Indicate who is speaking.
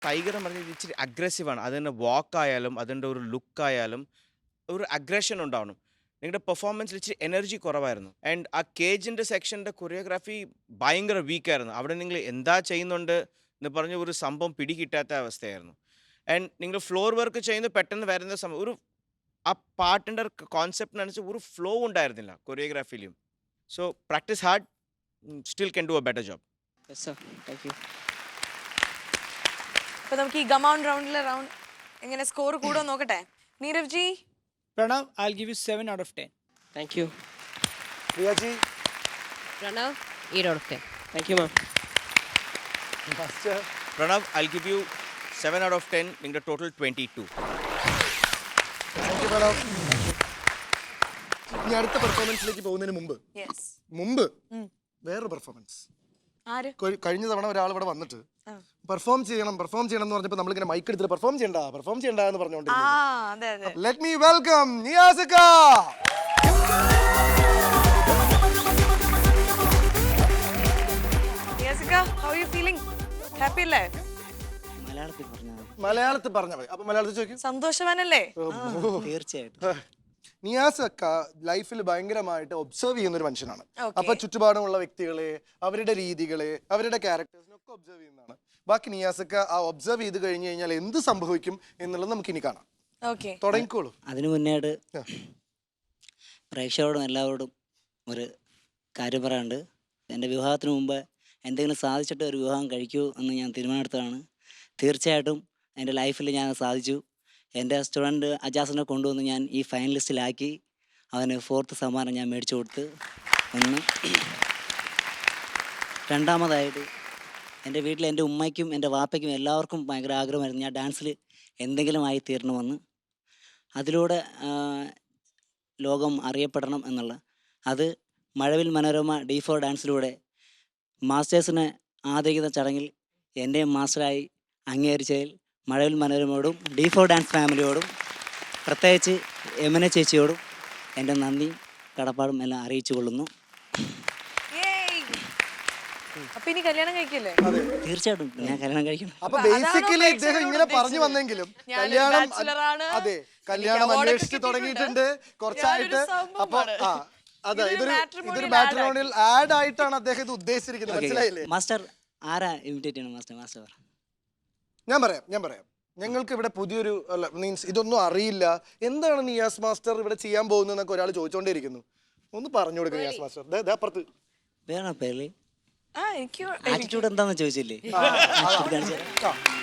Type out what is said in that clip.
Speaker 1: Tiger എന്ന് പറഞ്ഞാൽ ഇച്ചിരി അഗ്രസീവാണ്. അതിൻ്റെ വാക്കായാലും അതിൻ്റെ ഒരു ലുക്കായാലും ഒരു അഗ്രഷൻ ഉണ്ടാവണം. നിങ്ങളുടെ പെർഫോമൻസിൽ ഇച്ചിരി എനർജി കുറവായിരുന്നു. ആൻഡ് ആ കേജിൻ്റെ സെക്ഷൻ്റെ കൊറിയോഗ്രാഫി ഭയങ്കര വീക്കായിരുന്നു. അവിടെ നിങ്ങൾ എന്താ ചെയ്യുന്നുണ്ട് എന്ന് പറഞ്ഞ ഒരു സംഭവം പിടികിട്ടാത്ത അവസ്ഥയായിരുന്നു. ആൻഡ് നിങ്ങൾ ഫ്ലോർ വർക്ക് ചെയ്യുന്നത് പെട്ടെന്ന് വരുന്ന സമയം ഒരു ആ പാട്ടിൻ്റെ കോൺസെപ്റ്റിനനുസരിച്ച് ഒരു ഫ്ലോ ഉണ്ടായിരുന്നില്ല കൊറിയോഗ്രാഫിയിലും. So practice hard, still can do a better job.
Speaker 2: Yes sir, thank you.
Speaker 3: അപ്പൊ നമുക്ക് ഈ ഗമൗൺ റൗണ്ടിലെ എങ്ങനെ സ്കോർ കൂടെ നോക്കട്ടെ. Neerav ji.
Speaker 4: Pranav, I'll give you 7 out of 10.
Speaker 2: Thank you.
Speaker 5: Priya ji.
Speaker 2: Pranav 8 out of 10. Thank you ma'am.
Speaker 5: Master.
Speaker 1: Pranav, I give you 7 out of 10. നിങ്ങളുടെ total 22.
Speaker 5: Thank you, Pranav. ഇനി അടുത്ത പെർഫോമൻസിലേക്ക് പോകുന്നതിന് മുമ്പ് വേറൊരു പെർഫോമൻസ്.
Speaker 3: ആര്?
Speaker 5: കഴിഞ്ഞ തവണ ഒരാൾ ഇവിടെ വന്നിട്ട് പെർഫോം ചെയ്യണം എന്ന് പറഞ്ഞപ്പോൾ നമ്മളിങ്ങനെ മൈക്ക് എടുത്തിട്ട് പെർഫോം ചെയ്യണ്ട എന്ന് പറഞ്ഞുകൊണ്ടിരുന്നു. Let me welcome Niyasika.
Speaker 3: Niyasika, how are you feeling? Happy അല്ലേ?
Speaker 5: മലയാളത്തിൽ പറഞ്ഞ മതി. അപ്പൊ മലയാളത്തിൽ ചോദിക്കും.
Speaker 3: സന്തോഷവാനല്ലേ?
Speaker 2: തീർച്ചയായിട്ടും.
Speaker 5: നിയാസക്ക ലൈഫിൽ ഭയങ്കരമായിട്ട് ഒബ്സർവ് ചെയ്യുന്ന ഒരു മനുഷ്യനാണ്. അപ്പൊ ചുറ്റുപാടുമുള്ള വ്യക്തികളെ, അവരുടെ രീതികളെ, അവരുടെ ക്യാരക്ടേഴ്സിനൊക്കെ ഒബ്സർവ് ചെയ്യുന്നതാണ്. ബാക്കി നിയാസക്ക ആ ഒബ്സർവ് ചെയ്ത് കഴിഞ്ഞു കഴിഞ്ഞാൽ എന്ത് സംഭവിക്കും എന്നുള്ളത് നമുക്ക് ഇനി കാണാം. തുടങ്ങിക്കോളൂ.
Speaker 6: അതിനു മുന്നേയായിട്ട് പ്രേക്ഷകരോടും എല്ലാവരോടും ഒരു കാര്യം പറയാനുണ്ട്. എൻ്റെ വിവാഹത്തിന് മുമ്പ് എന്തെങ്കിലും സാധിച്ചിട്ട് ഒരു വിവാഹം കഴിക്കൂ എന്ന് ഞാൻ തീരുമാനമെടുത്തതാണ്. തീർച്ചയായിട്ടും എൻ്റെ ലൈഫിൽ ഞാൻ സാധിച്ചു. എൻ്റെ സ്റ്റുഡൻറ്റ് അജാസിനെ കൊണ്ടുവന്ന് ഞാൻ ഈ ഫൈനലിസ്റ്റിലാക്കി. അവന് 4th സമ്മാനം ഞാൻ മേടിച്ചു കൊടുത്ത്. ഒന്ന്. രണ്ടാമതായിട്ട് എൻ്റെ വീട്ടിൽ എൻ്റെ ഉമ്മയ്ക്കും എൻ്റെ വാപ്പയ്ക്കും എല്ലാവർക്കും ഭയങ്കര ആഗ്രഹമായിരുന്നു ഞാൻ ഡാൻസിൽ എന്തെങ്കിലും ആയി തീരണമെന്ന്. അതിലൂടെ ലോകം അറിയപ്പെടണം എന്നുള്ള അത് മഴവിൽ മനോരമ D4 ഡാൻസിലൂടെ മാസ്റ്റേഴ്സിനെ ആദരിക്കുന്ന ചടങ്ങിൽ എൻ്റെയും മാസ്റ്ററായി അംഗീകരിച്ചതിൽ മഴവിൽ മനോരമയോടും D4 ഡാൻസ് ഫാമിലിയോടും പ്രത്യേകിച്ച് യമന ചേച്ചിയോടും എൻ്റെ നന്ദിയും കടപ്പാടും എല്ലാം അറിയിച്ചു കൊള്ളുന്നു. തീർച്ചയായിട്ടും ഞാൻ കല്യാണം കഴിക്കണം.
Speaker 5: അപ്പൊ ബേസിക്കലി ഇദ്ദേഹം ഇങ്ങനെ പറഞ്ഞു വന്നെങ്കിലും കല്യാണം അന്വേഷിച്ച് തുടങ്ങിയിട്ടുണ്ട് കുറച്ചായിട്ട്. അപ്പൊ അതെ, ഇതൊരു മാട്രിമോണിയൽ ആഡ് ആയിട്ടാണ് അദ്ദേഹം ഇത് ഉദ്ദേശിച്ചിരിക്കുന്നത്. മനസ്സിലായില്ലേ?
Speaker 6: മാസ്റ്റർ ആരാ ഇമിറ്റേറ്റ് ചെയ്യണം മാസ്റ്റർ?
Speaker 5: ഞാൻ പറയാം. ഞങ്ങൾക്ക് ഇവിടെ പുതിയൊരു മീൻസ് ഇതൊന്നും അറിയില്ല. എന്താണ് നിയാസ് മാസ്റ്റർ ഇവിടെ ചെയ്യാൻ പോകുന്നതെന്നൊക്കെ ഒരാൾ ചോദിച്ചോണ്ടേയിരിക്കുന്നു. ഒന്ന് പറഞ്ഞു കൊടുക്കുക നിയാസ് മാസ്റ്റർ. അപ്പുറത്ത്
Speaker 6: വേണോ പേര് ആറ്റിറ്റ്യൂഡ് എന്താന്ന് ചോദിച്ചില്ലേ?